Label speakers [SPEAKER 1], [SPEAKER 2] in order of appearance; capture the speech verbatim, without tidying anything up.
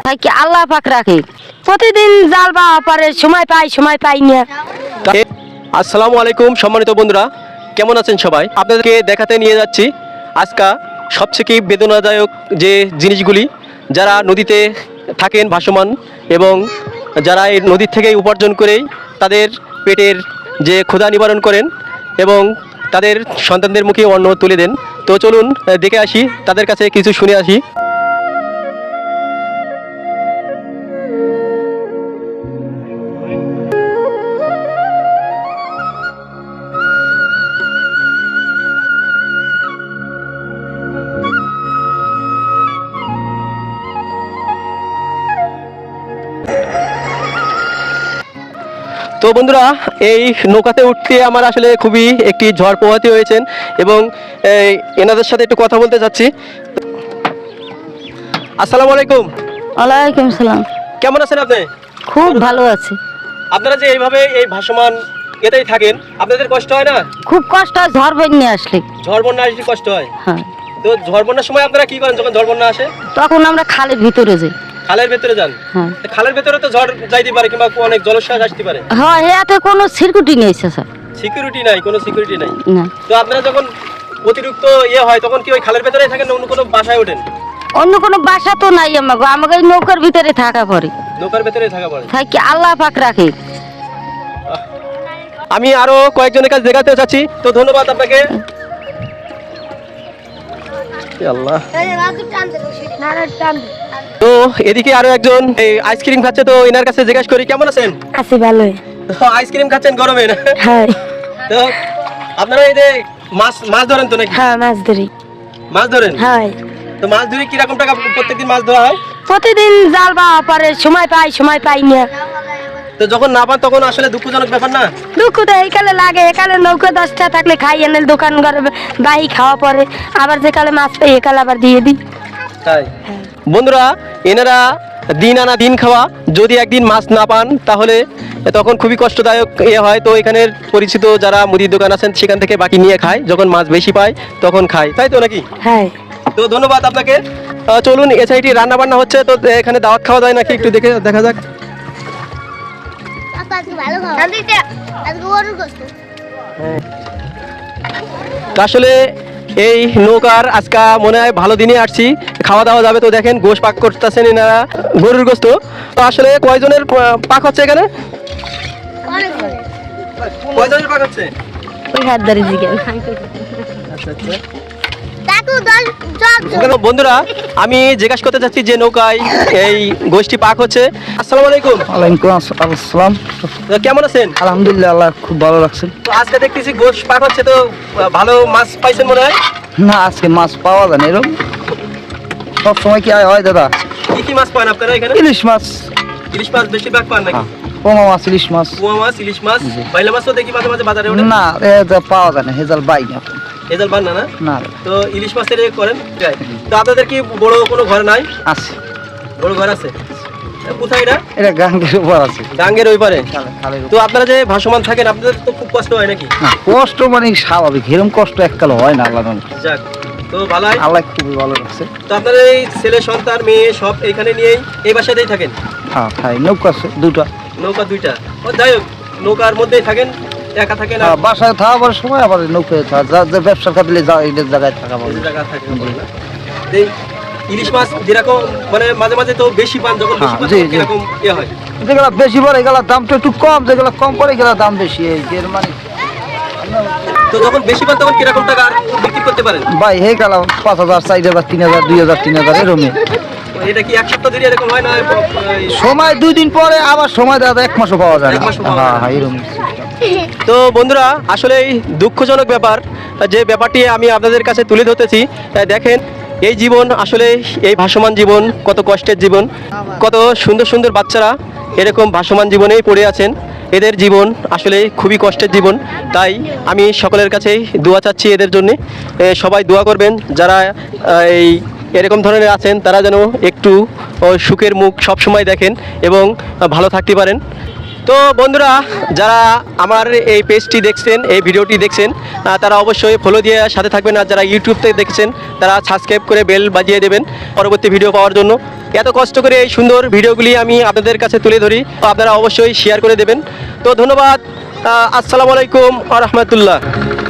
[SPEAKER 1] থাকি আল্লাহ পাক রাখে। প্রতিদিন জাল বা পারে সময় পাই সময় পাই না।
[SPEAKER 2] আসসালামু আলাইকুম সম্মানিত বন্ধুরা, কেমন আছেন সবাই? আপনাদেরকে দেখাতে নিয়ে যাচ্ছি আজকা সবথেকে বেদনাদায়ক যে জিনিসগুলি, যারা নদীতে থাকেন ভাসমান এবং যারা এই নদীর থেকে উপার্জন করেই তাদের পেটের যে ক্ষুধা নিবারণ করেন এবং তাদের সন্তানদের মুখে অন্ন তুলে দেন। তো চলুন দেখে আসি, তাদের কাছে কিছু শুনে আসি। তো বন্ধুরা, এই নৌকাতে উঠতে আমার আসলে খুবই একটি ঝড় পোহাতে হয়েছেন এবং এই, এনাদের সাথে একটু কথা বলতে চাচ্ছি। আসসালামু আলাইকুম।
[SPEAKER 1] ওয়ালাইকুম সালাম।
[SPEAKER 2] কেমন আছেন আপনি?
[SPEAKER 1] খুব ভালো আছে।
[SPEAKER 2] আপনারা যে এইভাবে এই ভাসমান এতেই থাকেন, আপনাদের কষ্ট হয় না?
[SPEAKER 1] খুব কষ্ট হয় ঝড় বন্যা আসলে।
[SPEAKER 2] ঝড় বন্যা আসলে কষ্ট হয়।
[SPEAKER 1] হ্যাঁ,
[SPEAKER 2] তো ঝড় বন্যার সময় আপনারা কি করেন যখন ঝড় বন্যা আসে?
[SPEAKER 1] তখন আমরা খালের ভিতরে যাই।
[SPEAKER 2] খালের ভেতরে যান?
[SPEAKER 1] হ্যাঁ
[SPEAKER 2] তো খালের ভেতরে তো ঝড় যাইতে পারে কিংবা অনেক জলোচ্ছ্বাস আসতে পারে।
[SPEAKER 1] হ্যাঁ, এতে কোনো সিকিউরিটি নেই স্যার।
[SPEAKER 2] সিকিউরিটি নাই, কোনো সিকিউরিটি নাই।
[SPEAKER 1] না,
[SPEAKER 2] তো আপনারা যখন অতিরিক্ত ইয়ে হয় তখন কি ওই খালের ভেতরেই থাকেন না অন্য কোনো বাসায় ওঠেন?
[SPEAKER 1] অন্য কোনো বাসা তো নাই আমাকে, আমাকে এই নৌকার ভিতরে থাকা পড়ে।
[SPEAKER 2] নৌকার ভেতরেই থাকা পড়ে।
[SPEAKER 1] থাকি আল্লাহ পাক রাখে।
[SPEAKER 2] আমি আরো কয়েকজনের কাছে দেখাতে চাচ্ছি, তো ধন্যবাদ আপনাকে। আল্লাহ। তো এদিকে আরো একজন এই আইসক্রিম খাচ্ছে, তো এনার কাছে জিজ্ঞাসা করি কেমন আছেন?
[SPEAKER 1] আছি ভালো।
[SPEAKER 2] তো আইসক্রিম খাচ্ছেন গরমে না?
[SPEAKER 1] হ্যাঁ
[SPEAKER 2] তো আপনারা এই যে মাছ মাছ ধরেন তো নাকি?
[SPEAKER 1] হ্যাঁ, মাছ ধরি।
[SPEAKER 2] মাছ ধরেন?
[SPEAKER 1] হ্যাঁ,
[SPEAKER 2] তো মাছ ধরে কিরকম টাকা প্রত্যেকদিন মাছ ধরা হয়?
[SPEAKER 1] প্রতিদিন জাল বা পারে সময় পাই সময় পাই না।
[SPEAKER 2] তো যখন না পান তখন আসলে দুঃখজনক ব্যাপার না?
[SPEAKER 1] দুঃখ তো এইকালে লাগে, একালে নৌকা দশটা থাকলে খাই এনে দোকান ঘরে বাহি খাওয়া পরে, আবার যে কালে মাছ পাই একালে আবার দিয়ে দিই।
[SPEAKER 2] তাই বন্ধুরা, এনারা দিন আনা দিন খাওয়া, যদি একদিন মাছ না পান তাহলে তখন খুবই কষ্টদায়ক এ হয়। তো এখানের পরিচিত যারা মুদির দোকান আছেন সেখান থেকে বাকি নিয়ে খায়, যখন মাছ বেশি পায় তখন খায়, তাই তো নাকি?
[SPEAKER 1] হ্যাঁ,
[SPEAKER 2] তো ধন্যবাদ আপনাকে। আহ, চলুন এ সাইডে রান্না বান্না হচ্ছে, তো এখানে দাওয়াত খাওয়া যায় নাকি একটু দেখে দেখা যাক। তো আসলে এই নৌকার আজকা মনে হয় ভালো দিনে আসছি, খাওয়া দাওয়া যাবে। তো দেখেন গোশ পাক করতেছেন এনারা, গরুর গোস্ত। তো আসলে কয়জনের আহ, পাক হচ্ছে এখানে? কয়জনের পাক হচ্ছে?
[SPEAKER 1] ওই হাত ধরে জিজ্ঞেস।
[SPEAKER 2] আচ্ছা আচ্ছা। বন্ধুরা, আমি জিজ্ঞাসা করতে চাচ্ছি যে নৌকায় এই গোষ্ঠী পাক হচ্ছে। আসসালামু আলাইকুম।
[SPEAKER 3] ওয়ালাইকুম আসসালাম।
[SPEAKER 2] তো কেমন আছেন?
[SPEAKER 3] আলহামদুলিল্লাহ, আল্লাহ খুব ভালো লাগছে।
[SPEAKER 2] তো আজকে দেখতেছি গোশ পাক হচ্ছে, তো আহ, ভালো মাছ পাইছেন মনে হয়?
[SPEAKER 3] না, আজকে মাছ পাওয়া যায় না এরকম। সব সময় কি হয় দাদা?
[SPEAKER 2] কি কি মাছ পান আপনারা এখানে?
[SPEAKER 3] ইলিশ মাছ,
[SPEAKER 2] ইলিশ মাছ বেশিরভাগ পান নাকি?
[SPEAKER 3] পোমা মাছ, ইলিশ মাছ।
[SPEAKER 2] কুয়া মাছ, ইলিশ মাছ, বাইলা মাছও দেখি মাঝে মাঝে বাজারে ওঠে।
[SPEAKER 3] না, এটা পাওয়া যায় না, হেজাল বাই না।
[SPEAKER 2] এজাল বান না না?
[SPEAKER 3] না,
[SPEAKER 2] তো ইলিশ মাছের এ করেন। তো আপনাদের কি বড় কোনো ঘর নাই?
[SPEAKER 3] আছে।
[SPEAKER 2] বড় ঘর আছে? কোথায় এটা?
[SPEAKER 3] এটা গাঙ্গের উপর আছে।
[SPEAKER 2] ডাঙ্গের ওই পারে?
[SPEAKER 3] খালে- খালের
[SPEAKER 2] তো
[SPEAKER 3] উপর।
[SPEAKER 2] আপনারা যে ভাসমান থাকেন আপনাদের তো খুব কষ্ট হয় নাকি?
[SPEAKER 3] না, কষ্ট মানে স্বাভাবিক, এরকম কষ্ট এককাল হয় না। আল্লাহ জানে।
[SPEAKER 2] যাক, তো ভালোই।
[SPEAKER 3] আল্লাহ খুবই ভালো লাগছে।
[SPEAKER 2] তো আপনাদের এই ছেলে সন্তান মেয়ে সব এখানে নিয়েই এই বাসাতেই থাকেন?
[SPEAKER 3] হ্যাঁ, খাই নৌকা আছে দুটা।
[SPEAKER 2] নৌকা দুইটা? ও যাই হোক, নৌকার মধ্যেই থাকেন, একা থাকেন? আর
[SPEAKER 3] হ্যাঁ, বাসায় থাকার সময় আবার নৌকায় থাকা, যা যা ব্যবসার খাতিলে যা এই জায়গায় থাকা
[SPEAKER 2] এই
[SPEAKER 3] পাবে।
[SPEAKER 2] যে জায়গা থাকেন বলে না? এই ইলিশ মাছ যেরকম মানে মাঝে মাঝে তো বেশি পান, যখন বেশি
[SPEAKER 3] হ্যাঁ,
[SPEAKER 2] পান
[SPEAKER 3] জি,
[SPEAKER 2] তখন
[SPEAKER 3] জি।
[SPEAKER 2] কিরকম ইয়ে হয়?
[SPEAKER 3] যেগুলো বেশি পড়ে এগুলোর দামটা একটু কম, যেগুলো কম পড়ে এগুলোর দাম বেশি। এই যে মানে
[SPEAKER 2] তো যখন বেশি পান তখন কিরকম টাকা আর বিক্রি করতে পারেন?
[SPEAKER 3] ভাই হে গেল পাঁচ হাজার, চার হাজার, তিন হাজার, দুই হাজার, তিন হাজার এরকমই।
[SPEAKER 2] তো এটা কি এক সপ্তাহ ধরে এরকম হয় না? এই-
[SPEAKER 3] সময় দুই দিন পরে, আবার সময় দাদা এক মাসও পাওয়া যায় না।
[SPEAKER 2] এক মাসও পাওয়া
[SPEAKER 3] হ্যাঁ
[SPEAKER 2] যায় না।
[SPEAKER 3] হ্যাঁ, এরকম।
[SPEAKER 2] তো বন্ধুরা, আসলে এই দুঃখজনক ব্যাপার যে ব্যাপারটি আমি আপনাদের কাছে তুলে ধরতেছি। তাই দেখেন এই জীবন, আসলে এই ভাসমান জীবন কত কষ্টের জীবন, কত সুন্দর সুন্দর বাচ্চারা এরকম ভাসমান জীবনেই পড়ে আছেন। এদের জীবন আসলে খুবই কষ্টের জীবন। তাই আমি সকলের কাছেই দোয়া চাচ্ছি এদের জন্যে। এ, সবাই দোয়া করবেন যারা আহ, এই এরকম ধরনের আছেন, তারা যেন একটু ও, সুখের মুখ সবসময় দেখেন এবং ভালো থাকতে পারেন। তো তো বন্ধুরা, যারা আমার এই পেজটি দেখছেন, এই ভিডিওটি দেখছেন, আহ, তারা অবশ্যই ফলো দিয়ে সাথে থাকবেন। আর যারা ইউটিউব থেকে দেখছেন তারা সাবস্ক্রাইব করে বেল বাজিয়ে দেবেন পরবর্তী ভিডিও পাওয়ার জন্য। এত কষ্ট করে এই সুন্দর ভিডিওগুলি আমি আপনাদের কাছে তুলে ধরি, তো আপনারা অবশ্যই শেয়ার করে দেবেন। তো ধন্যবাদ। আহ, আসসালামু আলাইকুম ওয়া রাহমাতুল্লাহ।